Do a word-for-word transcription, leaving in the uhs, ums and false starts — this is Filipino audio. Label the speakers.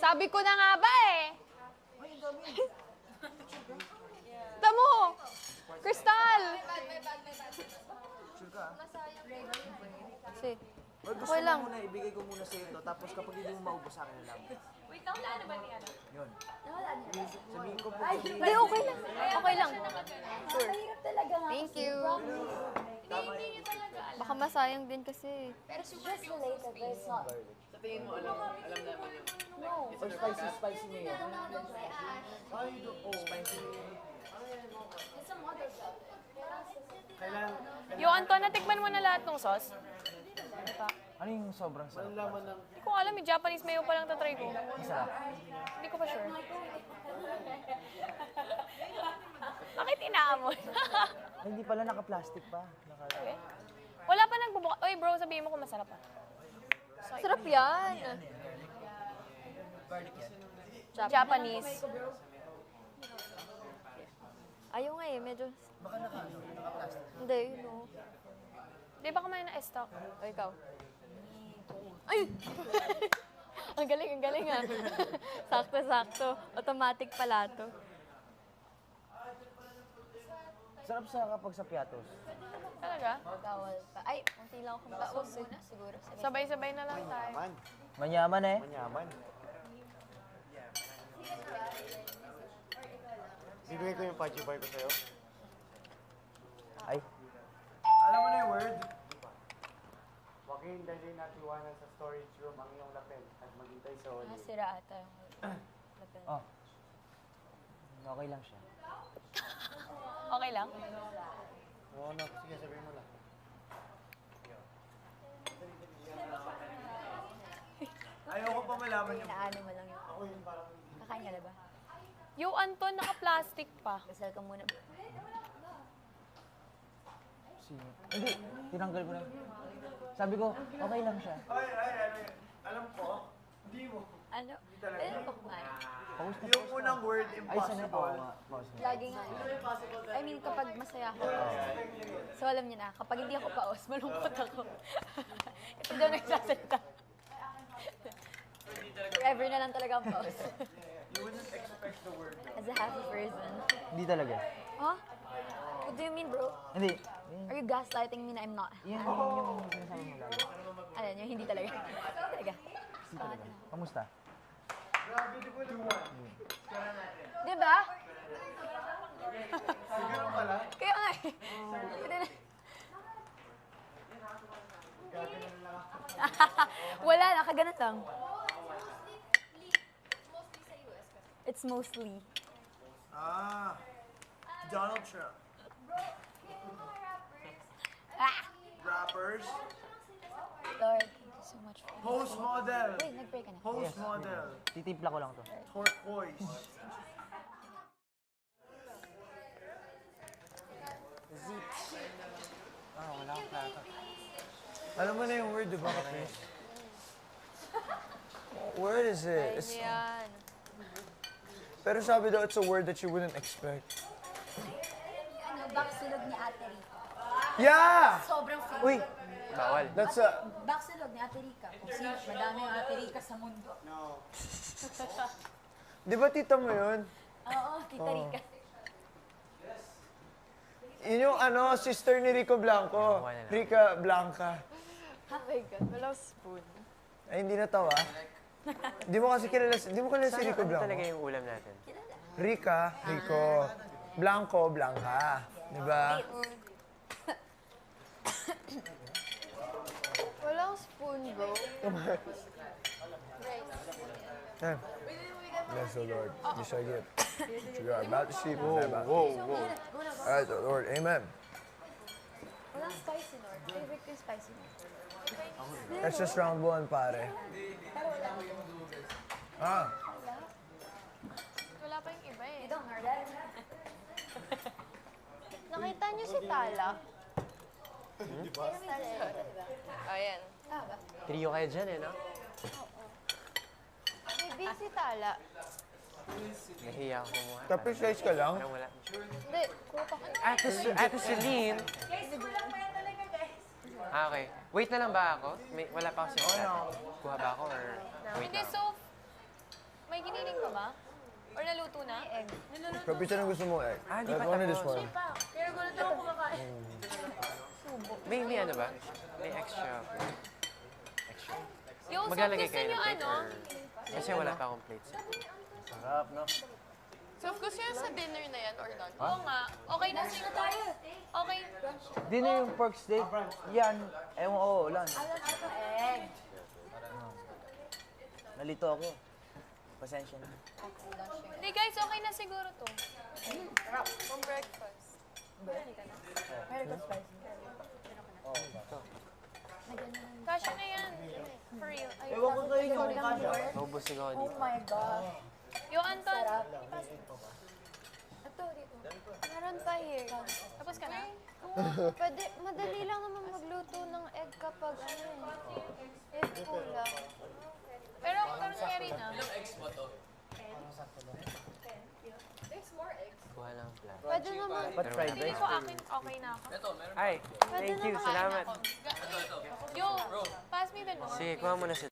Speaker 1: Sabi ko na nga ba eh. Tamo! Crystal!
Speaker 2: Sure ka?
Speaker 1: Kasi,
Speaker 2: Or gusto
Speaker 1: okay lang.
Speaker 2: mo muna, ibigay ko muna sa ito, tapos kapag hindi mo maubos sa akin na lang.
Speaker 3: Wait lang, wala na ba niya?
Speaker 2: Yun. Sabihin ko po,
Speaker 1: Hindi, okay lang. Okay lang. Sure.
Speaker 4: Mahirap talaga nga.
Speaker 1: Thank
Speaker 4: kasi
Speaker 1: you.
Speaker 4: promise.
Speaker 1: Baka masayang din kasi.
Speaker 3: Pero super
Speaker 4: Just related, but it's not.
Speaker 5: Sa tingin mo, alam, alam namin yung...
Speaker 4: No.
Speaker 2: or spicy, spicy mayo. Spicy.
Speaker 4: It's some other stuff.
Speaker 3: Yo, Anton, natikman mo na lahat ng sauce?
Speaker 2: Ano yung sobrang sarap?
Speaker 3: Hindi ko alam, yung Japanese mayo pa lang tatry ko.
Speaker 2: Masarap.
Speaker 3: Hindi ko pa sure. Bakit inaamon?
Speaker 2: Ay, hindi pala, naka-plastic pa. Naka
Speaker 3: Wala pa nagbubuka. Oy bro, sabihin mo kung masarap pa.
Speaker 1: Sarap yan.
Speaker 3: Japanese.
Speaker 1: Ayaw nga eh, medyo...
Speaker 2: Baka naka, ano, naka-plastic.
Speaker 1: Hindi, you know.
Speaker 3: Di ba kumain na stock?
Speaker 1: O, ikaw. Ay! Ang galing, ang galing ah. Sakto-sakto. Automatic pala to.
Speaker 2: Sarap sa kapag sa piatos.
Speaker 3: Talaga?
Speaker 1: Bawal pa. Ay, unti lang akong paus eh. Siguro. Sige.
Speaker 3: Sabay-sabay na lang tayo.
Speaker 2: Manyaman eh.
Speaker 6: Manyaman. Bibigay ko yung Pachi Bar ko sa'yo.
Speaker 2: Ay.
Speaker 6: Alam mo na yung word? Joaquin, dali natin iwanan sa storage room ang iyong lapel at maghintay sa Oli.
Speaker 1: Nasira ata yung lapel.
Speaker 2: Oh. Okay lang siya.
Speaker 3: Okay lang?
Speaker 6: Oo, no. Sige, sabihin mo lang.
Speaker 2: Ayoko pa malaman yung...
Speaker 1: Inaano mo lang yun. Kakain ka na ba?
Speaker 3: Yo, Anton, naka-plastic pa.
Speaker 1: Dasal ka muna.
Speaker 2: Sino? Hindi, tinanggal ko na. Sabi ko, okay lang siya.
Speaker 6: Ay, ay, ay, alam ko, hindi mo.
Speaker 1: Ano? Pwede pa kumain.
Speaker 2: Pause na,
Speaker 6: Yung unang word,
Speaker 2: Ay, sana
Speaker 6: impossible.
Speaker 2: po. Pause na.
Speaker 1: Lagi nga. I mean, kapag masaya ako. So, alam niyo na, kapag hindi ako paos, malungkot ako. Ito daw nagsasalita. Forever na lang talaga ang paos.
Speaker 6: You wouldn't expect the word.
Speaker 1: As a happy person.
Speaker 2: Hindi talaga.
Speaker 1: Huh? What do you mean, bro?
Speaker 2: Hindi.
Speaker 1: Are you gaslighting me na I'm not?
Speaker 2: Yan yung sinasabi mo lagi.
Speaker 1: Ano yun, hindi talaga. Talaga.
Speaker 2: Hindi talaga. Kamusta?
Speaker 6: Grabe, di ko naman.
Speaker 1: Di ba?
Speaker 6: Siguro pala.
Speaker 1: Kaya nga eh. Hindi na- Wala, nakaganan lang. It's mostly.
Speaker 6: Ah, Donald Trump.
Speaker 1: Ah!
Speaker 6: Rappers.
Speaker 1: Lord, thank you so much for
Speaker 6: Post model.
Speaker 1: Wait, nag-pray ka na.
Speaker 6: Post model.
Speaker 2: Titimpla ko lang to.
Speaker 6: Turquoise.
Speaker 2: Ah, wala akong plata.
Speaker 6: Alam mo na yung word, di ba, Chris? Word is it? It's,
Speaker 1: Yan.
Speaker 6: pero sabi daw, it's a word that you wouldn't expect.
Speaker 4: Ano, baksulog ni Ate Rica.
Speaker 6: Yeah!
Speaker 4: Sobrang feel.
Speaker 6: Uy!
Speaker 5: Bawal.
Speaker 6: That's a...
Speaker 4: Baksulog ni Ate Rica. Kung sino, madami yung Ate Rica sa mundo.
Speaker 6: Di ba tita mo yun?
Speaker 4: Oo, Tita Rica.
Speaker 6: Yun yung ano, sister ni Rico Blanco. Rica Blanca.
Speaker 1: Oh my God, walang spoon.
Speaker 6: Ay, hindi natawa. Di mo kasi kilala, di mo kilala si Rico
Speaker 5: Ano
Speaker 6: Blanco.
Speaker 5: talaga yung ulam natin?
Speaker 6: Rica, Rico. Blanco, Blanca. Di ba?
Speaker 1: Walang spoon, bro.
Speaker 6: Yan. Bless the Lord. You shall get. You are about to see. Whoa, whoa, whoa. All right, the Lord. Amen.
Speaker 1: Walang spicy, Lord. Favorite ko yung spicy.
Speaker 6: That's just round one, pare. Ah.
Speaker 1: Wala pa yung iba eh.
Speaker 4: You don't heard that?
Speaker 1: Nakita niyo si Tala? Ayan.
Speaker 5: Trio kayo dyan eh, no?
Speaker 1: May si Tala.
Speaker 5: Nahiya ako kumuha.
Speaker 6: Tapos slice ka lang?
Speaker 5: Parang wala.
Speaker 1: Hindi, kuha pa ko.
Speaker 5: Ate, Su- Ate Celine. Ah, okay. Wait na lang ba ako? May, wala pa ako sa Kuha ba ako or wait
Speaker 3: Hindi,
Speaker 5: na ako?
Speaker 3: so, giniling ka ba? Or naluto na?
Speaker 1: Egg.
Speaker 6: Pero pizza na gusto mo eh.
Speaker 5: Ah, di
Speaker 6: Like,
Speaker 5: pa
Speaker 6: one of this
Speaker 5: tapos.
Speaker 6: one.
Speaker 4: Pero gulo na ako kumakain.
Speaker 5: May, may ano ba? May extra. Extra.
Speaker 3: Yung
Speaker 5: Maglalagay
Speaker 3: gusto
Speaker 5: kayo
Speaker 3: nyo
Speaker 5: ng cake
Speaker 3: ano?
Speaker 5: or... Kasi wala pa akong plates.
Speaker 2: Sarap, no?
Speaker 3: So, gusto nyo sa dinner na yan or lunch? Oo nga. Okay na siguro. Okay.
Speaker 2: Di na yung pork steak. Yan. Ewan ko, ulan.
Speaker 1: Egg.
Speaker 2: Nalito ako. Pasensya na.
Speaker 3: Hindi guys, okay na siguro to. From breakfast. Kasha na yan. For real. Ay,
Speaker 2: Ewan ko kayo yung kasha.
Speaker 5: Naubos ako
Speaker 1: Oh
Speaker 5: dito.
Speaker 1: my God.
Speaker 3: Yo, Anton.
Speaker 1: Ito, dito.
Speaker 7: Meron pa here.
Speaker 3: Tapos ka na?
Speaker 7: Pwede, madali lang naman magluto ng egg kapag ano eh. Egg kulang.
Speaker 3: Pero, pero nangyari na.
Speaker 5: Kuha lang ang plan.
Speaker 7: Pwede naman,
Speaker 2: Ba't fried
Speaker 3: Hindi
Speaker 2: rice?
Speaker 3: ko akin, okay na ako.
Speaker 5: Ay, thank you.
Speaker 7: naman.
Speaker 5: Salamat.
Speaker 3: Yo, pass me the note.
Speaker 5: Sige, kuha mo na si